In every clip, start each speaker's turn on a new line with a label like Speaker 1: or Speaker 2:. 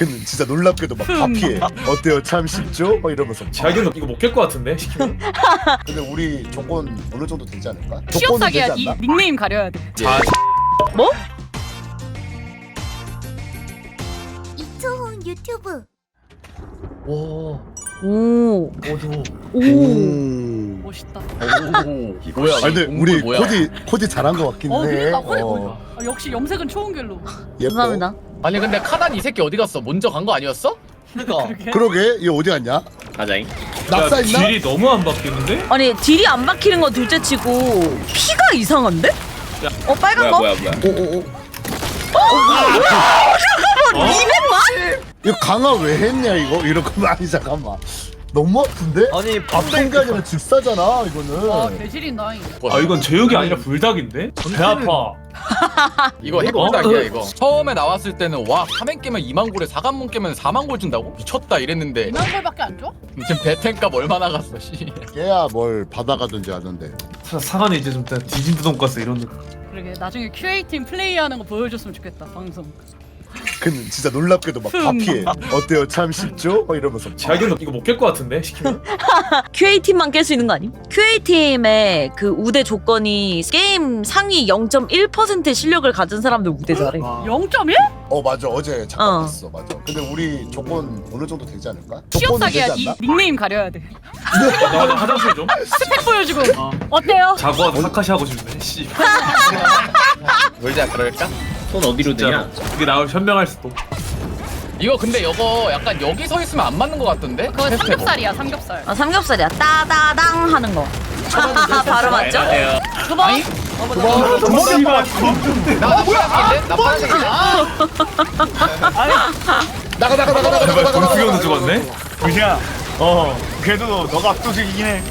Speaker 1: 근데 진짜 놀랍게도 막 다 피해. 어때요? 참 쉽죠? 막 이러면서.
Speaker 2: 자기는 이거 못 깰 것 같은데 시키면.
Speaker 1: 근데 우리 조건 어느 정도 되지 않을까?
Speaker 3: 취업
Speaker 1: 조건은
Speaker 3: 사기야.
Speaker 1: 되지
Speaker 3: 이
Speaker 1: 않나?
Speaker 3: 닉네임 가려야 돼.
Speaker 2: 자,
Speaker 3: 뭐?
Speaker 4: 이초훈 유튜브.
Speaker 5: 와.
Speaker 3: 오.
Speaker 5: 어두.
Speaker 3: 오. 멋있다.
Speaker 5: 뭐야?
Speaker 1: 아니 근데
Speaker 5: 동물
Speaker 1: 우리
Speaker 5: 뭐야?
Speaker 1: 코디 잘한 것 같긴 해.
Speaker 3: 그러니까 코디
Speaker 1: 어,
Speaker 3: 보니까. 아, 역시 염색은 초은결로.
Speaker 1: 예뻐.
Speaker 6: 감사합니다.
Speaker 5: 아니 근데 카단 이 새끼 어디 갔어? 먼저 간 거 아니었어?
Speaker 3: 그러게.
Speaker 1: 그러게 얘 어디 갔냐?
Speaker 5: 가자잉.
Speaker 1: 낙사
Speaker 2: 야,
Speaker 1: 있나?
Speaker 2: 딜이 너무 안 바뀌는데?
Speaker 6: 아니 딜이 안 박히는 건 둘째치고 피가 이상한데? 빨간 거?
Speaker 5: 뭐야?
Speaker 1: 오오오.
Speaker 2: 어?
Speaker 6: 200만?
Speaker 1: 이거 강화 왜 했냐 이거? 이런 거 아니 잠깐만. 너무 아픈데?
Speaker 7: 아니
Speaker 1: 아픈 게 아니라 즉사잖아 이거는.
Speaker 3: 와 대실인 나이.
Speaker 2: 아 이건 제육이 아니라 불닭인데? 배 아파.
Speaker 5: 이거 해골닭이야 이거. 처음에 나왔을 때는 와 3엔 깨면 2만 골에 4관문 깨면 4만 골 준다고? 미쳤다 이랬는데
Speaker 3: 2만 골밖에 안 줘?
Speaker 5: 지금 배텐값 얼마 나갔어 씨.
Speaker 1: 얘야 뭘 받아가든지 하던데.
Speaker 2: 사간에 이제 좀 뒤진 돈가스 이런 느낌.
Speaker 3: 그러게 나중에 QA 팀 플레이하는 거 보여줬으면 좋겠다 방송.
Speaker 1: 근데 진짜 놀랍게도 막 다 피해. 어때요? 참 쉽죠? 막 이러면서.
Speaker 2: 자기는 이거 못 깰 것 같은데 시키면.
Speaker 6: QA팀만 깰 수 있는 거 아님? QA팀의 그 우대 조건이 게임 상위 0.1% 실력을 가진 사람들 우대 잘해.
Speaker 3: 0.1?
Speaker 1: 맞아 어제 잠깐
Speaker 6: 어.
Speaker 1: 봤어 맞아. 근데 우리 조건 어느 정도 되지 않을까?
Speaker 3: 취업
Speaker 1: 조건은
Speaker 3: 사기야.
Speaker 1: 되지
Speaker 3: 이
Speaker 1: 않나?
Speaker 3: 닉네임 가려야 돼.
Speaker 2: 나 화장실 좀.
Speaker 3: 스펙 보여주고. 어때요?
Speaker 2: 자고 사카시 하고 싶네. 씨.
Speaker 5: 놀자 그럴까?
Speaker 7: 손 어디로
Speaker 2: 진짜 이게 나올 현명할 수도.
Speaker 5: 이거 근데 이거 약간 여기 서 있으면 안 맞는 거 같던데?
Speaker 3: 그거
Speaker 5: 테스트 해봐.
Speaker 3: 삼겹살이야 삼겹살.
Speaker 6: 아 삼겹살이야. 따다당 하는 거. 바로 맞죠?
Speaker 3: 두 번.
Speaker 5: 나 파란색인데? 나 파란색인데?
Speaker 2: 제발 권수경도 죽었네.
Speaker 7: 그냥 그래도 너가 압도적이긴 해.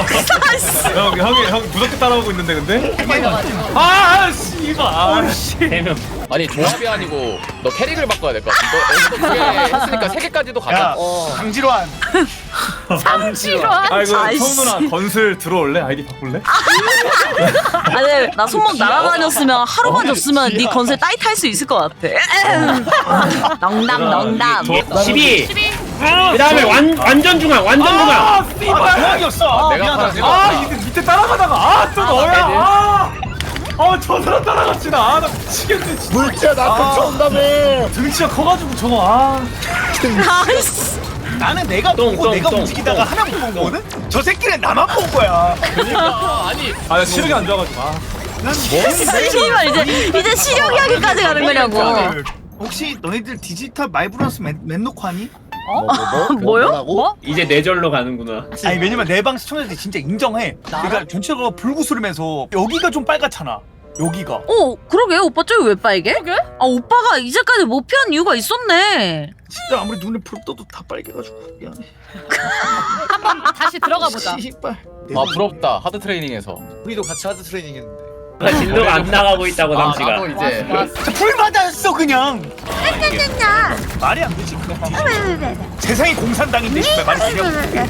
Speaker 2: 형이 무섭게 따라오고 있는데 근데.
Speaker 3: 걸려가지고.
Speaker 2: 아 씨발. 씨.
Speaker 5: 아니 조합이 아니고 너 캐릭을 바꿔야 될 것 같아. 너 여기서 2개 했으니까 3개까지도 가자.
Speaker 7: 야 강지로한.
Speaker 3: 삼지로한.
Speaker 2: 아이고
Speaker 6: 아이씨.
Speaker 2: 성 누나 건슬 들어올래? 아이디 바꿀래?
Speaker 6: 아니 나 손목 날아다녔으면 하루만 줬으면 네 건설 따이 탈 수 있을 것 같아. 농담.
Speaker 7: 12.
Speaker 3: 12.
Speaker 7: 그 다음에 완전 중앙 완전 중앙.
Speaker 2: 아 씨발.
Speaker 7: 대박이었어.
Speaker 5: 내가 파란색.
Speaker 2: 밑에 따라가다가 또 너야. 저 사람 따라갔지 나. 나 미치겠네 진짜.
Speaker 1: 물지야 나한테 쳐온다며.
Speaker 2: 등치가 커가지고 저거
Speaker 6: 아이씨.
Speaker 7: 나는 내가 보고 내가 움직이다가 하나 못 본 거거든. 저 새끼는 나만 본 거야.
Speaker 5: 그러니까 아니
Speaker 2: 나 시력이 안 좋아가지고.
Speaker 6: 씨발 이제 시력 이야기까지 가는 거냐고.
Speaker 7: 혹시 너희들 디지털 마이브런스 맨 놓고 하니?
Speaker 6: 뭐요?
Speaker 1: 뭐라고?
Speaker 7: 이제 뇌절로 가는구나. 아니 왜냐면 내 방 시청자들이 진짜 인정해. 그러니까 전체가 불구스름해서 여기가 좀 빨갛잖아. 여기가.
Speaker 6: 그러게 오빠 저기 왜 빨개?
Speaker 3: 그러게?
Speaker 6: 아 오빠가 이제까지 못 피한 이유가 있었네.
Speaker 7: 진짜 아무리 눈을 풀 떠도 다 빨개가지고 미안해.
Speaker 3: 한번 다시 들어가 보자.
Speaker 7: 씨발.
Speaker 5: 아 부럽다 하드 트레이닝에서.
Speaker 8: 우리도 같이 하드 트레이닝 했는데
Speaker 7: 진도가 안 나가고 있다고
Speaker 5: 나도 이제
Speaker 7: 불 맞았어 그냥. 말이 안 되지. 세상이 공산당인데 씨발 말이 되냐고.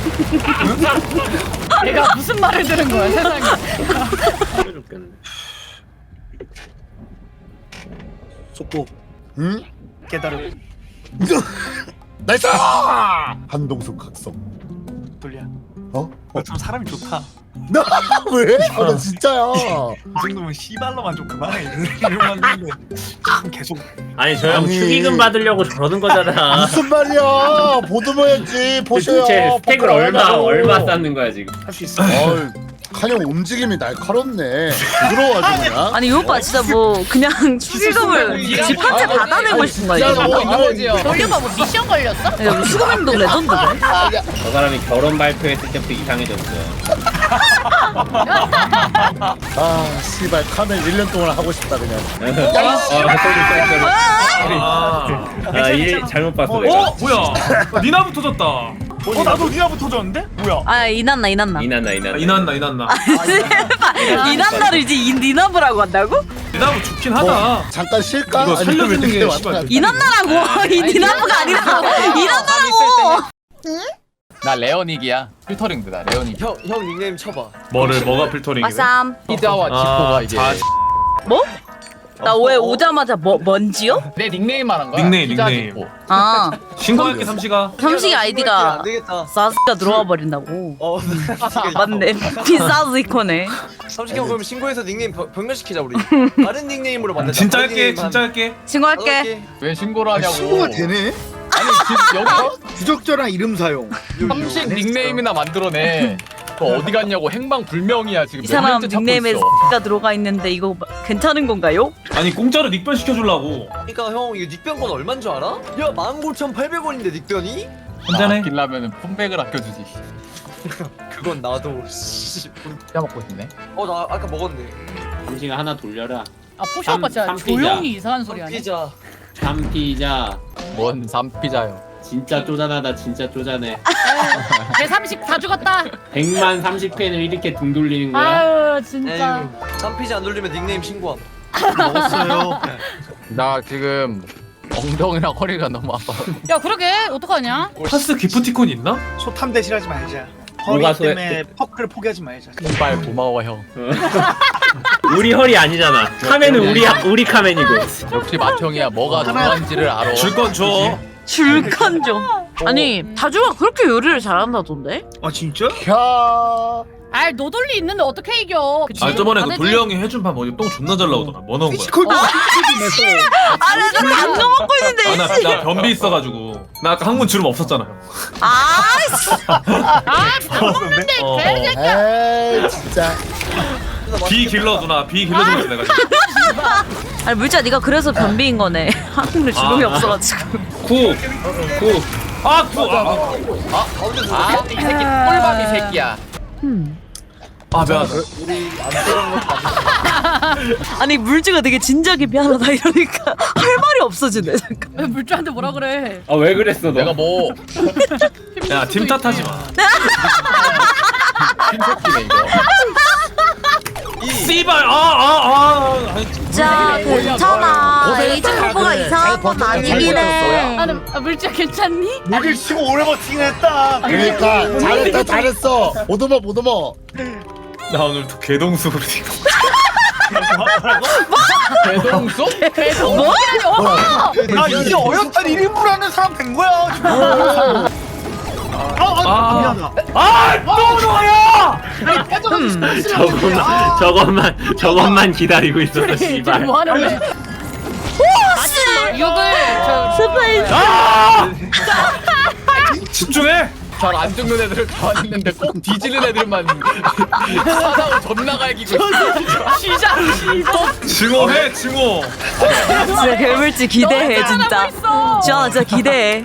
Speaker 3: 내가 무슨 말을 들은 거야 세상에.
Speaker 7: 속보
Speaker 1: 응?
Speaker 7: 깨달음.
Speaker 1: 나이스! 한동숙 각성.
Speaker 7: 돌려.
Speaker 1: 어?
Speaker 7: 좀 사람이 좋다.
Speaker 1: 나 왜? 나 진짜야.
Speaker 7: 이 정도면 씨발로만 좀 그만해. 이러면 하는데 참 계속.
Speaker 8: 아니 저 형
Speaker 1: 아니.
Speaker 8: 축의금 받으려고 저러는 거잖아.
Speaker 1: 무슨 말이야? 보드모였지. 보셔요.
Speaker 8: 도대체 스택을
Speaker 1: 버클
Speaker 8: 얼마
Speaker 1: 얼마고.
Speaker 8: 쌓는 거야 지금?
Speaker 7: 할 수 있어.
Speaker 1: 칸형 움직임이 날카롭네. 부드러워가지고 그냥.
Speaker 6: 아니 이 오빠 진짜 뭐 그냥 수금을 집한테 받아내고 싶은 거야.
Speaker 5: 뭐
Speaker 6: 이거.
Speaker 5: 이거지요.
Speaker 3: 돌려봐 뭐 미션 걸렸어?
Speaker 6: 야, 수금행동 레전드네.
Speaker 8: 저 사람이 결혼 발표했을 때부터 이상해졌어.
Speaker 1: 아 씨발 카멘 1년 동안 하고 싶다 그냥.
Speaker 8: 일 잘못 봤어 내가.
Speaker 2: 뭐야? 니나부 터졌다.
Speaker 7: 나도 니나부 터졌는데? 뭐야?
Speaker 6: 아 이난나.
Speaker 8: 이난나.
Speaker 2: 이난나.
Speaker 6: 이난나를 이제 니나브라고 한다고?
Speaker 2: 니나부 좋긴 하다.
Speaker 1: 잠깐 쉴까?
Speaker 2: 이거
Speaker 1: 아니면
Speaker 2: 살려주는 게
Speaker 1: 늦게
Speaker 2: 씨발.
Speaker 1: 왔다.
Speaker 6: 이난나라고. 이 니나브가 아니라 이난나라고.
Speaker 5: 나 레오닉이야. 필터링드다 레오닉.
Speaker 8: 형 닉네임 쳐봐.
Speaker 2: 뭐가 필터링이래?
Speaker 6: 마삼.
Speaker 5: 히드와 지코가 이게
Speaker 6: 뭐? 나 왜 오자마자 뭔지요?
Speaker 5: 내 닉네임 말한 거야.
Speaker 2: 닉네임,
Speaker 5: 피자
Speaker 2: 닉네임.
Speaker 5: 짓고.
Speaker 6: 아
Speaker 2: 신고할게 삼시가.
Speaker 6: 삼식
Speaker 4: 안
Speaker 6: 아이디가
Speaker 4: 되겠다.
Speaker 6: 사스가 들어와 버린다고.
Speaker 4: 삼식이
Speaker 6: 맞네. 비사스 이코네.
Speaker 4: 삼식이 형 그럼 신고해서 닉네임 변경시키자 우리. 다른 닉네임으로 만들자.
Speaker 2: 진짜
Speaker 4: 다른
Speaker 2: 할게
Speaker 4: 닉네임
Speaker 2: 진짜
Speaker 4: 한
Speaker 2: 할게.
Speaker 6: 신고할게.
Speaker 4: 8개.
Speaker 5: 왜 신고를 하냐고.
Speaker 1: 신고가 되네?
Speaker 5: 아니 지금 여기
Speaker 1: 부적절한 이름 사용.
Speaker 5: 삼식 닉네임이나 만들어내. 너 어디 갔냐고 행방불명이야 지금.
Speaker 6: 이
Speaker 5: 몇
Speaker 6: 사람
Speaker 5: 년째 찾고
Speaker 6: 닉네임에
Speaker 5: 있어.
Speaker 6: 가 들어가 있는데 이거 괜찮은 건가요?
Speaker 2: 아니 공짜로 닉변 시켜주려고.
Speaker 4: 그러니까 형 이거 닉변권 얼마인 줄 알아? 야 19,800원인데 닉변이?
Speaker 2: 한잔해.
Speaker 5: 아끼려면 폰백을 아껴주지.
Speaker 4: 그건 나도. 씨.
Speaker 5: 피자 먹고 싶네.
Speaker 4: 나 아까 먹었네.
Speaker 8: 삼시가 하나 돌려라.
Speaker 3: 아 포시 오빠 진짜
Speaker 8: 삼 피자.
Speaker 3: 조용히 이상한 소리 하네.
Speaker 4: 피자.
Speaker 8: 삼피자.
Speaker 5: 뭔 삼피자요.
Speaker 8: 진짜 쪼잔하다 진짜 쪼잔해.
Speaker 3: 개 30 다 죽었다.
Speaker 8: 100만 30펜을 이렇게 등 돌리는 거야?
Speaker 3: 아유 진짜.
Speaker 4: 에휴. 쌈피지 안 돌리면 닉네임 신고함.
Speaker 1: 먹었어요.
Speaker 5: 나 지금 엉덩이랑 허리가 너무 아파.
Speaker 3: 야 그러게 어떡하냐?
Speaker 2: 파스 기프티콘 있나?
Speaker 7: 소탐 대실하지 말자.
Speaker 8: 뭐가
Speaker 7: 허리 때문에 퍼크를 포기하지 말자.
Speaker 5: 이발 고마워 형.
Speaker 8: 우리 허리 아니잖아. 카멘은 우리 카멘이고.
Speaker 5: 역시 맏형이야. 뭐가 중요한지를 알아.
Speaker 2: 줄 건 줘.
Speaker 6: 줄건 좀. 아니 다주가 그렇게 요리를 잘한다던데?
Speaker 7: 아 진짜?
Speaker 1: 캬.
Speaker 3: 아 노돌리 있는데 어떻게 이겨? 그치?
Speaker 2: 아 저번에
Speaker 3: 안
Speaker 2: 그
Speaker 3: 되지?
Speaker 2: 돌려 형이 해준 밥 어디 똥 존나 잘 나오더라. 뭐 넣은 거야?
Speaker 1: 피지컬도 피지컬도
Speaker 6: 아나 당근 먹고 있는데.
Speaker 2: 나 변비 있어가지고 나 아까 항문 주름 없었잖아요.
Speaker 6: 아이씨.
Speaker 3: 아밥 먹는데
Speaker 2: 어,
Speaker 3: 개새끼야.
Speaker 1: 에이 진짜.
Speaker 2: 비 길러 누나 비 길러 주고 있어 내가 지금.
Speaker 6: 아니 물자 네가 그래서 변비인 거네. 한국에 주름이
Speaker 2: 아.
Speaker 6: 없어가지고.
Speaker 2: 구. 아 구.
Speaker 5: 아, 이 새끼 꿀밤이 새끼야.
Speaker 2: 아 미안하다.
Speaker 6: 아니 물주가 되게 진지하게 미안하다 이러니까 할 말이 없어지네. 잠깐.
Speaker 3: 왜 물주한테 뭐라 그래?
Speaker 8: 아 왜 그랬어 너?
Speaker 5: 내가 뭐
Speaker 2: 야 팀 탓하지 마.
Speaker 5: 핀새끼네 이거.
Speaker 2: 씨발
Speaker 6: 자 괜찮아. 에이징 후보가 이상한 건 아니긴 해.
Speaker 3: 아니 물주야 괜찮니?
Speaker 7: 목을 치고 오래 버티긴 했다.
Speaker 1: 그러니까 잘했어. 오도머.
Speaker 2: 나 오늘 또 개동숙으로 지금.
Speaker 5: 대동수?
Speaker 6: 뭐?
Speaker 7: 나 이제 어엿한 1인분 하는 사람 된 거야. 지금. 미안하다.
Speaker 2: 아또 너야!
Speaker 8: 저것만 기다리고 있었어
Speaker 3: 쟤
Speaker 8: 씨발.
Speaker 3: 뭐 하는 거야? 욕을 저
Speaker 6: 스페이스.
Speaker 2: 집중해.
Speaker 5: 잘 안 죽는 애들을 좋아했는데 꼭 뒤지는 애들만 사다고 존나 갈기고 있어.
Speaker 3: 시작.
Speaker 2: 증오해 증오.
Speaker 6: 진짜 괴물지 기대해 진짜.
Speaker 3: 있어.
Speaker 6: 지현아 진짜 기대해.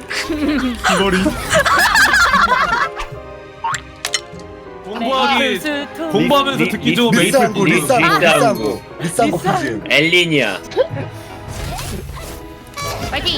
Speaker 2: 공부하면서 듣기 좋은 메이플
Speaker 1: 리쌍구
Speaker 2: 푸드.
Speaker 1: 리쌍구 퀴즈.
Speaker 8: 엘린이야.
Speaker 3: 파이팅.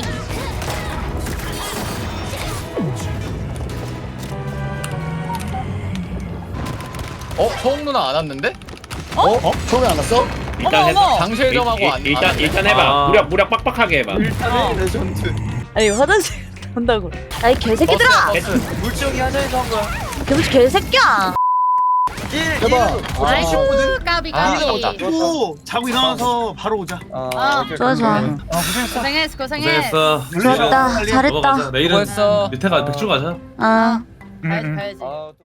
Speaker 5: 서웅 누나 안 왔는데?
Speaker 1: 처음에 안 왔어?
Speaker 8: 일단 해.
Speaker 3: 어머.
Speaker 5: 장실점하고 안
Speaker 8: 일단 해봐.
Speaker 2: 아.
Speaker 8: 무력 빡빡하게 해봐.
Speaker 4: 레전드.
Speaker 6: 아니 화장실 간다고. 아이 개새끼들아.
Speaker 4: 물지형이 하자해서 한 거야.
Speaker 6: 개새끼야.
Speaker 1: 해봐.
Speaker 3: 아이고 까비
Speaker 5: 아,
Speaker 3: 까비.
Speaker 5: 아깝다.
Speaker 7: 또 자고 일어나서 바로 오자.
Speaker 6: 좋아.
Speaker 3: 고생했어.
Speaker 2: 고생했어.
Speaker 6: 좋았다. 잘했다.
Speaker 2: 넘어가자. 내일은
Speaker 5: 수고했어.
Speaker 2: 밑에 가 백줄 가자.
Speaker 6: 아.
Speaker 3: 가야지.
Speaker 4: 아,